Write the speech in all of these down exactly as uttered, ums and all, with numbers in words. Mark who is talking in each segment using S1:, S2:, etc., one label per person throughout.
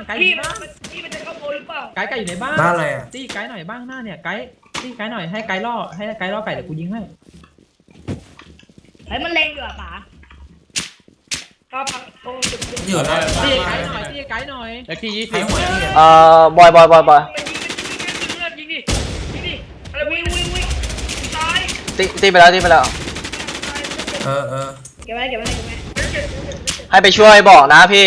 S1: ไกด์
S2: พี่
S1: บ้าน
S2: พี่มันจะเข้าโบหรือเปล่า
S1: ไกด์ไก่อยู่ในบ้าน
S3: บ้านอะไรอ่ะ
S1: ตีไกด์หน่อยบ้างหน้าเนี่ยไกด์ตีไกด์หน่อยให้ไกด์ล่อให้ไกด์ล่อไก่เดี๋ยวกูยิงให้
S2: เฮ้ยมันเลงอยู่อ่ะป๋าก็พังตรงจุดจุด
S3: อยู่นะ
S1: ตีไกด์หน่อยตีไกด์หน่อย
S4: เลขที่ยี่
S3: ใคร
S4: สิบ
S3: หัวนี่
S5: เอ่อบอยบอยบอยบอย
S2: มันยิงมันยิงยิงยิงยิงดิยิงดิอะไรวิ่งวิ่งวิ่งตาย
S5: ตีตีไปแล้วตีไปแล้ว
S3: เออเออ
S2: เก็บไว้เก็บไว้เก็บไว้
S5: ให้ไปช่วยบอกนะพี่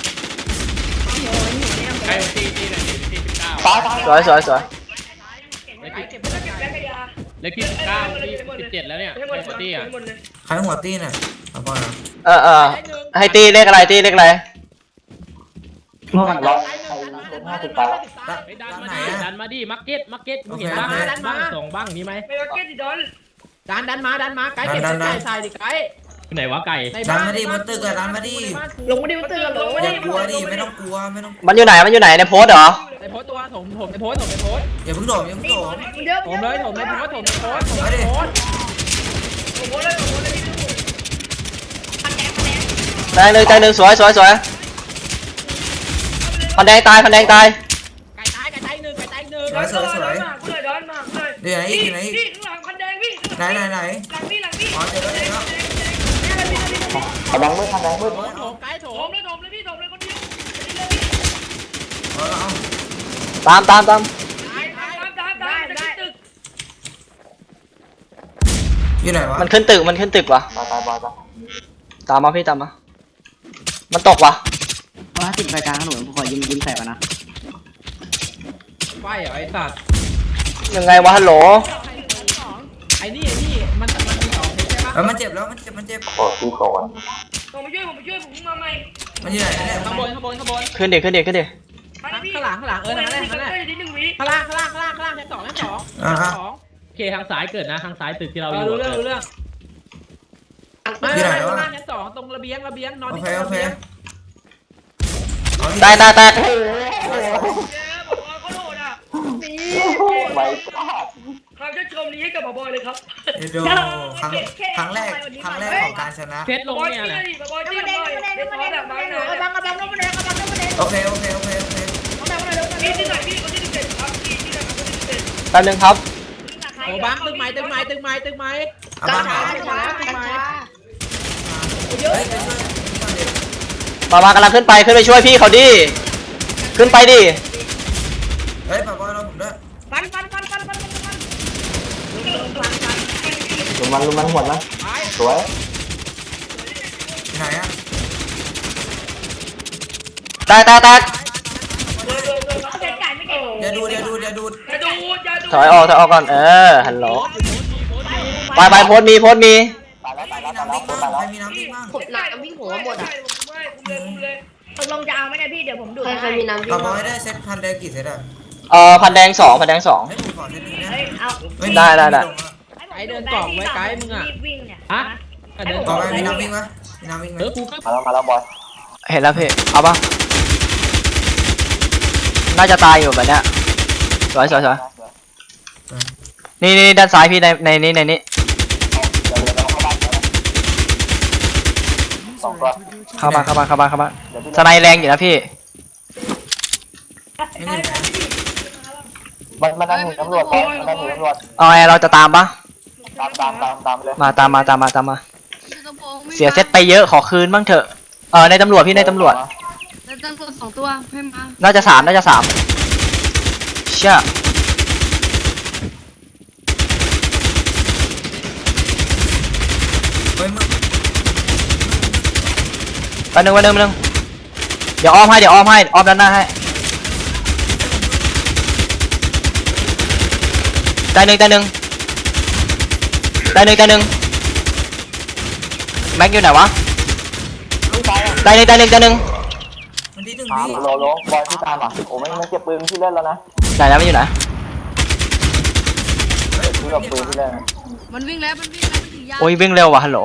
S4: ใกล้ที่ที่ไหนที่สิบเก้า
S5: สวยสวยสวย
S4: เลข
S1: ไก
S4: ที่
S1: ด์เก็บไว้ไกด์
S4: เลขที่สิบเก้าที่สิบเจ็ดแล้วเนี่ยไอ้ตี้อ่ะ
S3: ใครหัวตีเนี่ยเอาก่อนนะ
S5: เออเออให้ตีเลขอะไรตีเลขอะไร
S1: ไกด์หนึ่งไกด์หนึ่ง
S4: ไปดันมาดิดันมาดิมาร์เก็ตมาร์เก็ตมึงเห็นบ้างบ้างสองบ้างมีไหม
S2: ไม่ว่าเก็ตดิดอน
S1: ดันดันมาดันมาไกด์เก็บไก่ใส่ดิไกด์
S4: ไหนวะไก่
S1: ใน
S3: ดั
S1: บ้าน น
S3: มาดิบนตึกอะดันมาดิ
S2: ลงมาดิมันตื่นลงมา
S3: อ
S2: ดิ
S3: ย่ากลัวดิไม่ต้องกลัวไม่ต้อง
S5: มันอยู่ไหนมันอยู่ไหนในโพสต์เหรอ
S1: ในโพสตัวถมถมในโพสถมในโพส
S3: อย่าเพิ่งโดดอย่าเพิ่งโดด
S2: เยอะ
S1: ถมเลยถมในโพสถมในโพสถมในโพส
S2: โอ้โหเลยโอ้โหเลยพันแดงพันแดง
S5: แตงหนึ่งแตงหนึ่งสวยสวยสวยพันแดงตายพันแดงตาย
S1: ไก่ตายไก่ตายหนึ่งไก่ตายหนึ่ง
S3: สวยสวยสวย
S2: มาเลยดอนมาเลย
S3: เดี๋ยวไหนอีกเดี๋ยวไหนอีก
S2: พี่ข้างหลังพันแดงพี่
S3: ไหนไหนไหน
S2: หลังพี่หลังพี่
S3: อ๋อเจอแล้วเจอแล้ว
S5: พันแดงมืดพันแดงมืด
S1: โถมโถมไก่โถ
S2: โถ
S1: ม
S2: มเลยโถมเลยพี่โถมเลยคนเดียว
S3: เอาเอา
S5: ตามตามตาม
S2: ได้ได้ได้ได้ได้ตึก
S3: อยู่ไหนวะ
S5: มันขึ้นตึกมันขึ้นตึกวะตามมาพี่ตามมามันตกวะ
S6: ว่าติดไฟกลางถนนผมขอยิงยิงใส่ก่อนนะ
S1: ไฟเหรอไอ้สัตว์
S5: ยังไงวะฮัลโหล
S1: ไอ้นี่ไอ้นี่มันมันมีสองใช่ปะ
S3: เออมันเจ็บแล้วมันเจ็บมันเจ็บ
S2: ผมมาช่วยผมมาช่วยผมมาใหม่
S3: มันอยู่ไหนเนี่ย
S1: ข้างบนข้างบนข้างบน
S5: ขึ้นดิขึ้นดิขึ้นดิ
S2: มาพี่
S1: ข้างหลังข้างหลังเออนั่นแหละนั่นแหละ
S2: นิดนึงวิ
S1: ข้างล่างข้างล่างข้างล่างข้างล่างชั้นสองชั้นสองชั้นสอง
S4: โอเคทางซ้ายเกิดนะทางซ้ายตึกที่เรา
S1: เอ
S4: อ
S1: อยู่ รู้เรื่องรู้เรื่องไม่ไม่ข้างล่างชั้นสองตรงระเบียงระเบียงนอน
S3: โอ
S1: ที่
S3: เคโอ
S1: ระ
S3: เค
S1: เบียง
S5: ตายตายตาย
S2: เจ๊บอกว่าเขาโหดอ่ะไปเขาจะชมนี้ให้กับบบอยเลยครับ
S3: เดี๋ยวดูครั้งครั้งแรกครั้งแรกของการชนะ
S4: เซตลง
S2: บอย
S4: เนี่ย
S2: ที่
S4: แหละ
S2: นี่บบอยที่นี่เดี๋ยวขอแบบมาหน่อย
S7: กระบังกระบังน้ำมันแดงกระบังน้ำมันแดง
S3: โอเคโอเคโอเคโอเค
S2: พี่ที่ไหนพี่คนที่เด็ดครับพี่ที่ไหนคนที่เด็ด
S5: แป๊บนึงครับ
S1: โอ้บังตึกไม้ตึกไม้ตึกไม้ตึกไม้
S3: เอาบ้านหา
S1: ตึกไม้ตึกไม้
S3: เฮ้ยไปช่วย
S5: มามากำลังขึ้นไปขึ้นไปช่วยพี่เขาดิขึ้นไปดิ
S3: เฮ้ยปะบอยเราผมด้วย
S2: ฟันฟันฟันฟันฟันฟันฟัน
S5: ลุมมันลุมมันหมดนะสวย
S3: ไหนอะ
S5: แตกแตกแตก
S2: เด็ดไก่ไม่เก่ง
S3: อย่าดูอย่าดูอย่าดู
S2: อย่าดูอย่าดู
S5: ถอยออกถอยออกก่อนเออฮัลโหลไปไปโพสต์มีโพสต์มี
S3: มีน้ำวิ่งบ้างใครมีน้ำวิ่งบ้าง
S7: ผมหนักวิ่งหัวหมดอ่ะ
S2: ไม่คุมเลยคุมเลย
S7: ตกลงจะเอาไหมเนี่ยพี่เดี๋ยวผมดูด
S6: ใครใคร
S7: ให้
S6: มีน้ำ
S3: ปะบอยได้เซตพันแดงกี่เซตอะ
S5: เอ่อพันแดงสองพันแดงสอง
S3: ให้ผมขอเซตนึงนะ
S2: เฮ้ยเอา
S5: ได้ได้ได้
S1: ไก่เดินกล่องไว้ไก่มึงอ่ะ
S2: วิ่งเนี่ย
S4: ฮะเดิน
S3: ต่อไปมีน้ำวิ่งไหมมีน้ำวิ่งไหม
S4: เออกูก็
S5: เห็นแล้วพี่เอาป่ะน่าจะตายอยู่แบบเนี้ยสวยสวยสวยนี่นี่ด้านซ้ายพี่ในในนี้ในนี้เข้ามาเข้ามาเข้ามาเข้ามาสไนแรงอยู่นะพี่
S3: มันมันนั่งหนีตำรวจมันนั่งหนีตำรวจ
S5: เอาไงเราจะตามปะ
S3: ตามตามตามตามเลย
S5: มาตามมาตามมาตามมาเสียเซตไปเยอะขอคืนบ้างเถอะเออในตำรวจพี่ในตำรวจ
S7: แล้วตั้งตัวสองตัวให้มา
S5: น่าจะสามน่าจะสามเชื่อ
S3: เฮ้ยมึง
S5: ไปหนึ่งไปหนึ่งไปหนึ่งเดี๋ยวอ้อมให้เดี๋ยวอ้อมให้อ้อมด้านหน้าให้ได้หนึ่งได้หนึ่งได้หนึ่งได้หนึ่งแม็กอยู่ไหนวะได้หนึ่งได้หนึ่งได้หนึ่ง
S3: มันที่หนึ่งพี่
S8: โลโลบอยที่ตามอ่ะโอ้ไม่ไม่เก็บปืนที่เล่นแล้วนะ
S5: ได้แล้วไม่อยู่ไหน
S8: ที่กับปืนที่เล่น
S7: มันวิ่งแล้วมันวิ่งแล้วมันถือยา
S5: โอ้ยวิ่งเร็วว่ะฮัลโหล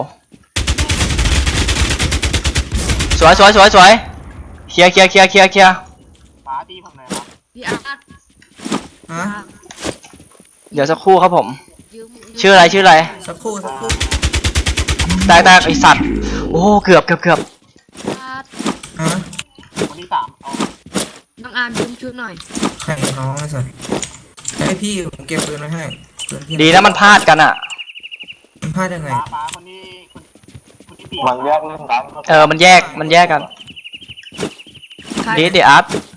S5: สวยสวยสวยสวยเคลียร์เคลียร์เคลียร์เคลียร์เคลียร์
S8: ป้าตีผมไหนวะ
S7: พี่อาร์ต
S3: ฮะ
S5: เดี๋ยวสักครู่ครับผม
S7: ยืม
S5: ชื่ออะไรชื่ออะไร
S3: สักครู่สักครู่
S5: แตกแตกไอสัตว์โอ้เกือบเกือบเกือบ
S7: อาร์ต
S3: ฮะ
S8: คนที่สามเอา
S7: อาร์มชุบชุบหน่อย
S3: ใครน้องไอ้สัสให้พี่ผมเก็บปืนไว้ให้ปืนพี่
S5: ดีนะมันพลาดกันอ่ะ
S3: มันพลาดยังไง
S8: ป้าป้าคนนี้คนคนที่ปีมันแยกเล่นกัน
S5: เออมันแยกมันแยกกัน
S7: ใคร
S5: ดีดีอาร์ต